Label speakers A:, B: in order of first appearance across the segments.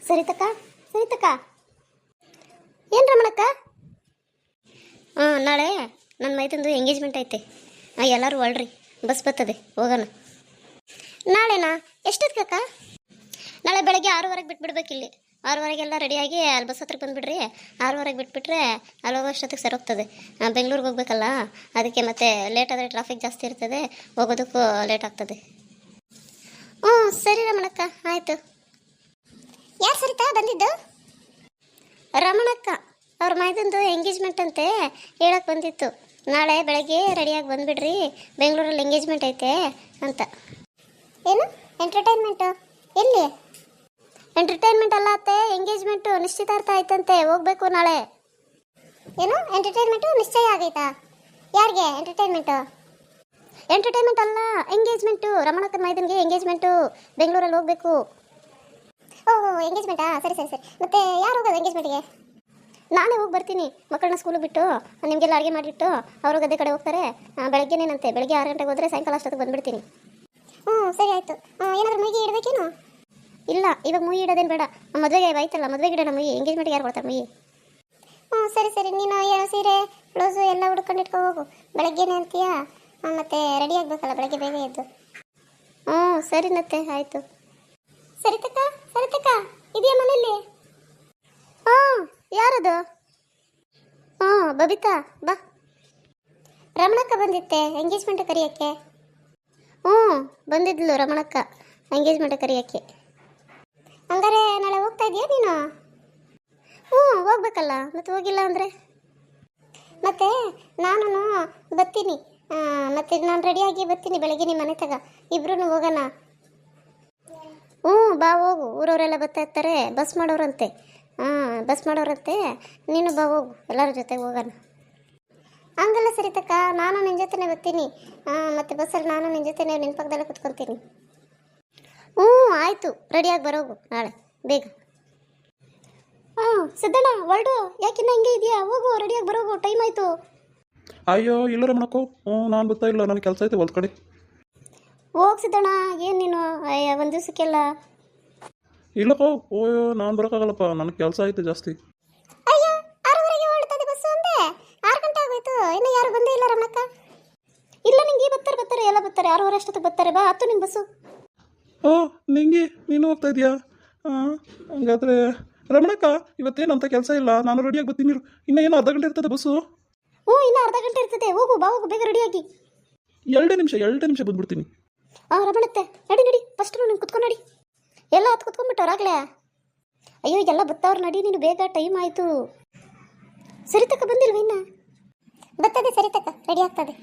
A: ಸರಿತಕ್ಕ ಸರಿತಕ್ಕ ಏನು ರಮಣಕ್ಕ? ನಾಳೆ ನನ್ನ ಮೈದಂದು ಎಂಗೇಜ್ಮೆಂಟ್ ಐತೆ. ಎಲ್ಲರೂ ಹೊಳ್ರಿ, ಬಸ್ ಬರ್ತದೆ, ಹೋಗೋಣ. ನಾಳೆನಾ? ಎಷ್ಟೊತ್ತಿಗಕ್ಕ? ನಾಳೆ ಬೆಳಗ್ಗೆ 6:15 ಬಿಟ್ಬಿಡ್ಬೇಕಿಲ್ಲಿ. 6:15 ರೆಡಿಯಾಗಿ ಅಲ್ಲಿ ಬಸ್ ಹತ್ರಕ್ಕೆ ಬಂದುಬಿಡ್ರಿ. 6:15 ಬಿಟ್ಬಿಟ್ರೆ ಅಲ್ಲಿ ಹೋಗೋಷ್ಟೊತ್ತಿಗೆ ಸರಿ ಹೋಗ್ತದೆ. ಬೆಂಗಳೂರಿಗೆ ಹೋಗ್ಬೇಕಲ್ಲ, ಅದಕ್ಕೆ ಮತ್ತೆ ಲೇಟ್ ಆದರೆ ಟ್ರಾಫಿಕ್ ಜಾಸ್ತಿ ಇರ್ತದೆ, ಹೋಗೋದಕ್ಕೂ ಲೇಟ್ ಆಗ್ತದೆ. ಹ್ಞೂ ಸರಿ ರಮಣಕ್ಕ, ಆಯಿತು. ಯಾರು ಸರಿತಾ ಬಂದಿದ್ದು? ರಮಣಕ್ಕ ಅವ್ರ ಮೈದಂದು ಎಂಗೇಜ್ಮೆಂಟ್ ಅಂತೆ ಹೇಳಕ್ಕೆ ಬಂದಿತ್ತು. ನಾಳೆ ಬೆಳಗ್ಗೆ ರೆಡಿಯಾಗಿ ಬಂದುಬಿಡ್ರಿ, ಬೆಂಗಳೂರಲ್ಲಿ ಎಂಗೇಜ್ಮೆಂಟ್ ಐತೆ ಅಂತ. ಏನು ಎಂಟರ್ಟೈನ್ಮೆಂಟು? ಎಲ್ಲಿ? ಎಂಟರ್ಟೈನ್ಮೆಂಟ್ ಅಲ್ಲ ಅತ್ತೆ, ಎಂಗೇಜ್ಮೆಂಟು, ನಿಶ್ಚಿತಾರ್ಥ ಆಯ್ತಂತೆ, ಹೋಗ್ಬೇಕು ನಾಳೆ. ಏನು ಎಂಟರ್ಟೈನ್ಮೆಂಟು ನಿಶ್ಚಯ ಆಗೈತಾ? ಯಾರಿಗೆ ಎಂಟರ್ಟೈನ್ಮೆಂಟು? ಎಂಟರ್ಟೈನ್ಮೆಂಟ್ ಅಲ್ಲ, ಎಂಗೇಜ್ಮೆಂಟು. ರಮಣಕ್ಕನ ಮೈದನ್ಗೆ ಎಂಗೇಜ್ಮೆಂಟು, ಬೆಂಗಳೂರಲ್ಲಿ ಹೋಗ್ಬೇಕು. ಓಹೋ ಎಂಗೇಜ್ಮೆಂಟಾ? ಸರಿ ಸರಿ ಸರಿ. ಮತ್ತೆ ಯಾರು ಹೋಗೋದು ಎಂಗೇಜ್ಮೆಂಟ್ಗೆ? ನಾನೇ ಹೋಗಿ ಬರ್ತೀನಿ. ಮಕ್ಕಳನ್ನ ಸ್ಕೂಲಿಗೆ ಬಿಟ್ಟು ನಿಮಗೆಲ್ಲ ಅಡುಗೆ ಮಾಡಿಬಿಟ್ಟು ಅವರು ಗದ್ದೆ ಕಡೆ ಹೋಗ್ತಾರೆ. ಬೆಳಗ್ಗೆನೇನಂತೆ, ಬೆಳಗ್ಗೆ 6 ಗಂಟೆಗೆ ಹೋದರೆ ಸಾಯಂಕಾಲ ಅಷ್ಟೊತ್ತಿಗೆ ಬಂದುಬಿಡ್ತೀನಿ. ಹ್ಞೂ ಸರಿ ಆಯಿತು. ಏನಾದರೂ ಮುಗಿ ಇಡಬೇಕೇನು? ಇಲ್ಲ, ಇವಾಗ ಮುಯಿ ಇಡೋದೇನು ಬೇಡ. ಮದುವೆಗೆ ಆಯ್ತಲ್ಲ, ಮದುವೆಗೆ ಇಡೋಣ ಮುಯಿ. ಎಂಗೇಜ್ಮೆಂಟ್ಗೆ ಯಾರು ಕೊಡ್ತಾರೆ ಮುಯಿ? ಹ್ಞೂ ಸರಿ ಸರಿ. ನೀನು ಸೀರೆ ಬ್ಲೌಸು ಎಲ್ಲ ಹುಡ್ಕೊಂಡು ಇಟ್ಕೊ ಹೋಗು. ಬೆಳಗ್ಗೆನೇ ಅಂತೀಯ, ಮತ್ತೆ ರೆಡಿ ಆಗಬೇಕಲ್ಲ ಬೆಳಗ್ಗೆ ಬೇಗ ಎದ್ದು. ಹ್ಞೂ ಸರಿನತ್ತೆ, ಆಯಿತು. ಸರಿತಕ್ಕ ಸರಿತಕ್ಕ ಇದೆಯಾ ಮನೇಲಿ? ಹಾಂ ಯಾರದು? ಹಾಂ ಬಬಿತಾ ಬಾ. ರಮಣಕ್ಕ ಬಂದಿತ್ತೆ ಎಂಗೇಜ್ಮೆಂಟ್ ಕರೆಯೋಕ್ಕೆ. ಹ್ಞೂ ಬಂದಿದ್ಲು ರಮಣಕ್ಕ ಎಂಗೇಜ್ಮೆಂಟ್ ಕರೆಯೋಕ್ಕೆ. ಹಂಗಾರೆ ನಾಳೆ ಹೋಗ್ತಾ ಇದೆಯಾ ನೀನು? ಹ್ಞೂ ಹೋಗ್ಬೇಕಲ್ಲ, ಮತ್ತೆ ಹೋಗಿಲ್ಲ ಅಂದರೆ? ಮತ್ತೆ ನಾನು ಬರ್ತೀನಿ, ಮತ್ತೆ ನಾನು ರೆಡಿಯಾಗಿ ಬರ್ತೀನಿ ಬೆಳಗ್ಗೆ ನಿಮ್ಮ ಮನೆ ತಗ, ಇಬ್ರು ಹೋಗೋಣ. ಹ್ಞೂ ಬಾ ಹೋಗು, ಊರವರೆಲ್ಲ ಬರ್ತಾ ಇರ್ತಾರೆ, ಬಸ್ ಮಾಡೋರಂತೆ. ಬಸ್ ಮಾಡೋರಂತೆ, ನೀನು ಬಾ ಹೋಗು, ಎಲ್ಲರ ಜೊತೆಗೆ ಹೋಗೋಣ. ಹಂಗಲ್ಲ ಸರಿತಕ್ಕ, ನಾನು ನಿನ್ನ ಜೊತೆನೇ ಬರ್ತೀನಿ. ಮತ್ತು ಬಸ್ಸಲ್ಲಿ ನಾನು ನಿನ್ನ ಜೊತೆನೇ ನಿನ್ನ ಪಕ್ಕದಲ್ಲೇ ಕುತ್ಕೊತೀನಿ. ಹ್ಞೂ ಆಯಿತು, ರೆಡಿಯಾಗಿ ಬರೋಗು ನಾಳೆ ಬೇಗ. ಸಿದ್ದಣ್ಣ ಹೊರಡು, ಯಾಕಿನ್ನ ಹಿಂಗೆ ಇದೆಯಾ? ಹೋಗು, ರೆಡಿಯಾಗಿ ಬರೋಗು, ಟೈಮ್ ಆಯಿತು.
B: ಅಯ್ಯೋ ಇಲ್ಲ ರಮಣಕ್ಕೋ, ನಾನು ಬರ್ತಾ ಇಲ್ಲ, ನನಗೆ ಕೆಲಸ ಐತೆ ಹೊಲ್ದ ಕಡೆ.
A: ಹೋಗಿ ಸಿದ್ದಣ್ಣ, ಏನು ನೀನು ಒಂದು ದಿವಸಕ್ಕೆಲ್ಲ?
B: ಇಲ್ಲಕ್ಕೋ, ಓಯೋ ನಾನು ಬರೋಕ್ಕಾಗಲ್ಲಪ್ಪ, ನನಗೆ ಕೆಲಸ ಐತೆ ಜಾಸ್ತಿ.
A: ಅಯ್ಯೋ 6:15 ಹೊರಡ್ತದೆ ಬಸ್ಸು ಅಂದೆ, 6 ಗಂಟೆ ಆಗೋಯ್ತು, ಇನ್ನೂ ಯಾರು ಬಂದೇ ಇಲ್ಲ ರಮಣಕ್ಕ. ಇಲ್ಲ ನಿಂಗೆ ಬರ್ತಾರೆ ಎಲ್ಲ ಬರ್ತಾರೆ, 6:15 ಅಷ್ಟೊತ್ತಿಗೆ ಬರ್ತಾರೆ. ಬಾ, ಹತ್ತು ನಿನ್ನ ಬಸ್ಸು.
B: ನಿಂಗೆ ನೀನು ಹೋಗ್ತಾ ಇದೆಯಾ? ಹಂಗಾದ್ರೆ ರಮಣಕ್ಕ ಇವತ್ತೇನಂತ ಕೆಲಸ ಇಲ್ಲ, ನಾನು ರೆಡಿಯಾಗಿ ಬರ್ತೀನಿ. ಇನ್ನೂ ಏನೋ ಅರ್ಧ ಗಂಟೆ ಇರ್ತದೆ ಬಸ್ಸು.
A: ಹ್ಞೂ ಇನ್ನೂ ಅರ್ಧ ಗಂಟೆ ಇರ್ತದೆ, ಹೋಗು ಬಾ ಹೋಗು, ಬೇಗ ರೆಡಿಯಾಗಿ.
B: 2 ನಿಮಿಷ ಬಂದ್ಬಿಡ್ತೀನಿ.
A: ರಮಣತ್ತೆ ನಡಿ ಫಸ್ಟ್ ನೀನು ಕುತ್ಕೊಂಡು ನಡಿ. ಎಲ್ಲ ಹತ್ತು ಕುತ್ಕೊಂಡ್ಬಿಟ್ಟವ್ರಾಗಲೇ. ಅಯ್ಯೋ ಎಲ್ಲ ಬತ್ತವ್ರು, ನಡಿ ನೀನು ಬೇಗ, ಟೈಮ್ ಆಯಿತು. ಸರಿತಕ್ಕ ಬಂದಿಲ್ವ ಇನ್ನ? ಬರ್ತದೆ ಸರಿತಕ್ಕ, ರೆಡಿ ಆಗ್ತದೆ.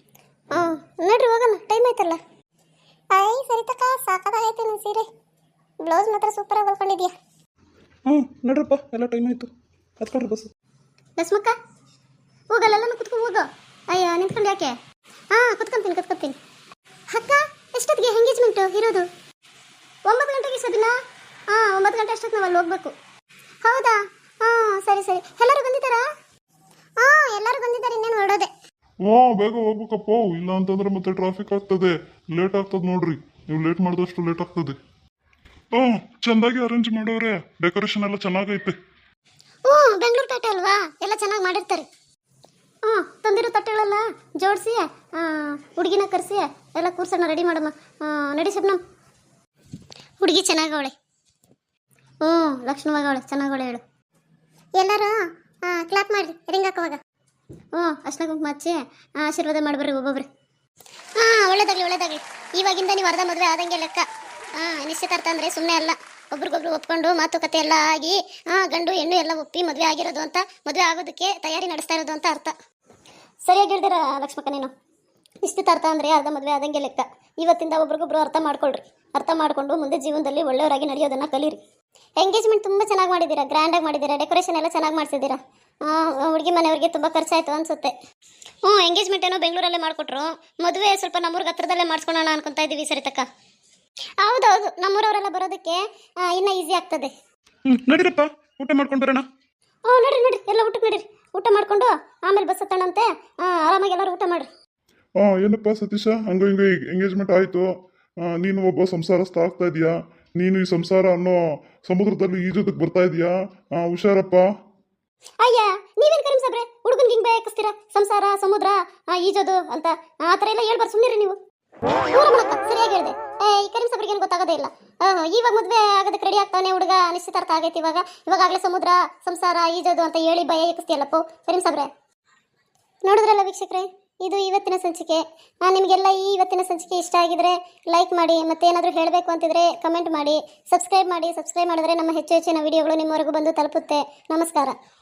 A: ನಡ್ರಿ ಹೋಗೋಣ, ಟೈಮ್ ಆಯ್ತಲ್ಲ. ಸರಿತಕ್ಕ ಸಾಕಾಗೈತೆ ನಿನ್ನ ಸೀರೆ, ಬ್ಲೌಸ್ ಮಾತ್ರ ಸೂಪರಾಗಿ ಹೊಲ್ಕೊಂಡಿದ್ಯಾ.
B: ನಡ್ರಪ್ಪ, ಎಲ್ಲ ಟೈಮ್ ಆಯಿತು, ಹತ್ಕೊಳ್ರಿ ಬಸ್.
A: ಲಕ್ಷ್ಮಕ್ಕ ಹೋಗಲ್ಲ ಕುತ್ಕೊಂಡು ಹೋಗೋ. ಅಯ್ಯ ನಿಂತ್ಕೊಂಡು ಯಾಕೆ? ಕುತ್ಕೊಂತೀನಿ. ಅಕ್ಕ ಎಷ್ಟೊತ್ತಿಗೆ ಎಂಗೇಜ್ಮೆಂಟು ಇರೋದು? 9 ಗಂಟೆಗೆ ಸಬಿನಾ? 9 ಗಂಟೆ ಅಷ್ಟೊತ್ತು ನಾವು ಅಲ್ಲಿ ಹೋಗ್ಬೇಕು. ಹೌದಾ? ಸರಿ ಎಲ್ಲರೂ ಬಂದಿದ್ದಾರಾ? ಎಲ್ಲರೂ ಬಂದಿದ್ದಾರೆ, ಇನ್ನೇನು ಹೊರಡೋದೆ.
C: ಬೇಗ ಹೋಗ್ಬೇಕಪ್ಪ, ಇಲ್ಲ ಅಂತಂದ್ರೆ ಮತ್ತೆ ಟ್ರಾಫಿಕ್ ಆಗ್ತದೆ, ಲೇಟ್ ಆಗ್ತದೆ ನೋಡ್ರಿ. ನೀವು ಲೇಟ್ ಮಾಡಿದಷ್ಟು ಲೇಟ್ ಆಗ್ತದೆ. ಚೆಂದಾಗಿ ಅರೇಂಜ್ ಮಾಡೋರೆ, ಡೆಕೋರೇಷನ್ ಎಲ್ಲ ಚೆನ್ನಾಗೈತೆ.
A: ಬೆಂಗಳೂರು ತಟ್ಟೆ ಅಲ್ವಾ, ಎಲ್ಲ ಚೆನ್ನಾಗಿ ಮಾಡಿರ್ತಾರೆ. ತಂದಿರೋ ತಟ್ಟೆಗಳೆಲ್ಲ ಜೋಡಿಸಿ ಹುಡುಗಿನ ಕರೆಸಿ ಎಲ್ಲ ಕೂರ್ಸೋಣ, ರೆಡಿ ಮಾಡಮ್ಮ. ನಡಿ ಶಬ್ನಮ್, ಹುಡುಗಿ ಚೆನ್ನಾಗವಳೆ. ಲಕ್ಷ್ಮಣವಾಗವಳೆ, ಚೆನ್ನಾಗವಳೆ ಹೇಳು. ಎಲ್ಲರೂ ಕ್ಲಾಪ್ ಮಾಡಿರಿ, ರಿಂಗ್ ಹಾಕೋವಾಗ. ಅಷ್ಟೇ ಕುಂಕುಮ ಹಚ್ಚಿ ಆಶೀರ್ವಾದ ಮಾಡಿಬರ್ರಿ ಒಬ್ಬೊಬ್ರು. ಒಳ್ಳೇದಾಗಲಿ. ಇವಾಗಿಂದ ನೀವು ಅರ್ಧ ಮದುವೆ ಆದಂಗೆ ಲೆಕ್ಕ. ನಿಶ್ಚಿತಾರ್ಥ ಅಂದರೆ ಸುಮ್ಮನೆ ಅಲ್ಲ, ಒಬ್ರಿಗೊಬ್ರು ಒಪ್ಕೊಂಡು ಮಾತುಕತೆ ಎಲ್ಲ ಆಗಿ ಗಂಡು ಹೆಣ್ಣು ಎಲ್ಲ ಒಪ್ಪಿ ಮದುವೆ ಆಗಿರೋದು ಅಂತ, ಮದುವೆ ಆಗೋದಕ್ಕೆ ತಯಾರಿ ನಡೆಸ್ತಾ ಇರೋದು ಅಂತ ಅರ್ಥ. ಸರಿಯಾಗಿ ಹೇಳಿದಿರ ಲಕ್ಷ್ಮಕ್ಕ ನೀನು. ನಿಶ್ಚಿತಾರ್ಥ ಅಂದರೆ ಅರ್ಧ ಮದುವೆ ಆದಂಗೆ ಲೆಕ್ಕ. ಇವತ್ತಿಂದ ಒಬ್ರಿಗೊಬ್ರು ಅರ್ಥ ಮಾಡ್ಕೊಳ್ರಿ, ಅರ್ಥ ಮಾಡಿಕೊಂಡು ಮುಂದೆ ಜೀವನದಲ್ಲಿ ಒಳ್ಳೆಯವರಾಗಿ ನಡೆಯೋದನ್ನು ಕಲೀರಿ. ಎಂಗೇಜ್ಮೆಂಟ್ ತುಂಬ ಚೆನ್ನಾಗಿ ಮಾಡಿದ್ದೀರಾ, ಗ್ರ್ಯಾಂಡಾಗಿ ಮಾಡಿದ್ದೀರಾ, ಡೆಕೋರೇಷನ್ ಎಲ್ಲ ಚೆನ್ನಾಗಿ ಮಾಡಿಸಿದ್ದೀರಾ. ಹುಡುಗಿ ಮನೆಯವ್ರಿಗೆ ತುಂಬ ಖರ್ಚಾಯಿತು ಅನಿಸುತ್ತೆ. ಎಂಗೇಜ್ಮೆಂಟ್ ಏನೋ ಬೆಂಗಳೂರಲ್ಲೇ ಮಾಡಿಕೊಟ್ರು, ಮದುವೆ ಸ್ವಲ್ಪ ನಮ್ಮೂರಿಗೆ ಹತ್ರದಲ್ಲೇ ಮಾಡಿಸ್ಕೊಳ್ಳೋಣ ಅನ್ಕೊತಾ ಇದ್ದೀವಿ ಸರಿತಕ್ಕ. ಹೌದೌದು, ನಮ್ಮೂರವರೆಲ್ಲ ಬರೋದಕ್ಕೆ ಇನ್ನೂ ಈಸಿ ಆಗ್ತದೆ.
B: ನಡೀರಪ್ಪ, ಊಟ ಮಾಡ್ಕೊಂಡು ಬರೋಣ.
A: ನಡ್ರಿ ಎಲ್ಲ ಊಟಕ್ಕೆ ನಡೀರಿ. ಊಟ ಮಾಡಿಕೊಂಡು ಆಮೇಲೆ ಬಸ್ ಹತ್ತಣಂತೆ, ಆರಾಮಾಗಿ ಎಲ್ಲರೂ ಊಟ ಮಾಡಿರಿ.
C: ಏನಪ್ಪ ಸತೀಶ, ಹಂಗ ಎಂಗೇಜ್ಮೆಂಟ್ ಆಯ್ತು, ನೀನು ಒಬ್ಬ ಸಂಸಾರಸ್ಥ ಆಗ್ತಾ ಇದೀಯಾ, ನೀನು ಈ ಸಂಸಾರ ಅನ್ನೋ ಸಮುದ್ರದಲ್ಲಿ ಈಜೋದಕ್ಕೆ ಬರ್ತಾ ಇದೀಯಾ ಹುಷಾರಪ್ಪ.
A: ಅಯ್ಯ ನೀವೇನು ಕರೀಮ್ ಸಾಬ್ರೆ ಹುಡುಗನ್ಗೆ ಹಿಂಗೆ ಬೇಕಿಸ್ತೀರಾ? ಸಂಸಾರ ಸಮುದ್ರ ಈಜೋದು ಅಂತ ಆ ಥರ ಎಲ್ಲ ಹೇಳ್ಬಾರ್ದು, ಸುಮ್ಮನಿರಿ ನೀವು. ರಮಣಕ್ಕ ಸರಿಯಾಗಿ ಹೇಳಿದೆ. ಈ ಕರೀಮ್ ಸಾಬ್ರಿಗೆ ಏನು ಗೊತ್ತಾಗೋದೇ ಇಲ್ಲ. ಇವಾಗ ಮದುವೆ ಆಗೋದಕ್ಕೆ ರೆಡಿ ಆಗ್ತಾನೆ ಹುಡುಗ, ನಿಶ್ಚಿತಾರ್ಥ ಆಗೈತಿ. ಇವಾಗಲೇ ಸಮುದ್ರ ಸಂಸಾರ ಈಜೋದು ಅಂತ ಹೇಳಿ ಭಯ ಎಕ್ಕಿಸ್ತೀಯಲ್ಲಪ್ಪೋ ಕರೀಮ್ ಸಾಬ್ರೆ. ನೋಡಿದ್ರಲ್ಲ ವೀಕ್ಷಕರೇ, ಇದು ಇವತ್ತಿನ ಸಂಚಿಕೆ. ನಿಮಗೆಲ್ಲ ಈ ಇವತ್ತಿನ ಸಂಚಿಕೆ ಇಷ್ಟ ಆಗಿದ್ರೆ ಲೈಕ್ ಮಾಡಿ, ಮತ್ತೆ ಏನಾದರೂ ಹೇಳಬೇಕು ಅಂತಿದ್ರೆ ಕಮೆಂಟ್ ಮಾಡಿ, ಸಬ್ಸ್ಕ್ರೈಬ್ ಮಾಡಿ. ಸಬ್ಸ್ಕ್ರೈಬ್ ಮಾಡಿದ್ರೆ ನಮ್ಮ ಹೆಚ್ಚು ಹೆಚ್ಚಿನ ವಿಡಿಯೋಗಳು ನಿಮ್ಮವರೆಗೂ ಬಂದು ತಲುಪುತ್ತೆ. ನಮಸ್ಕಾರ.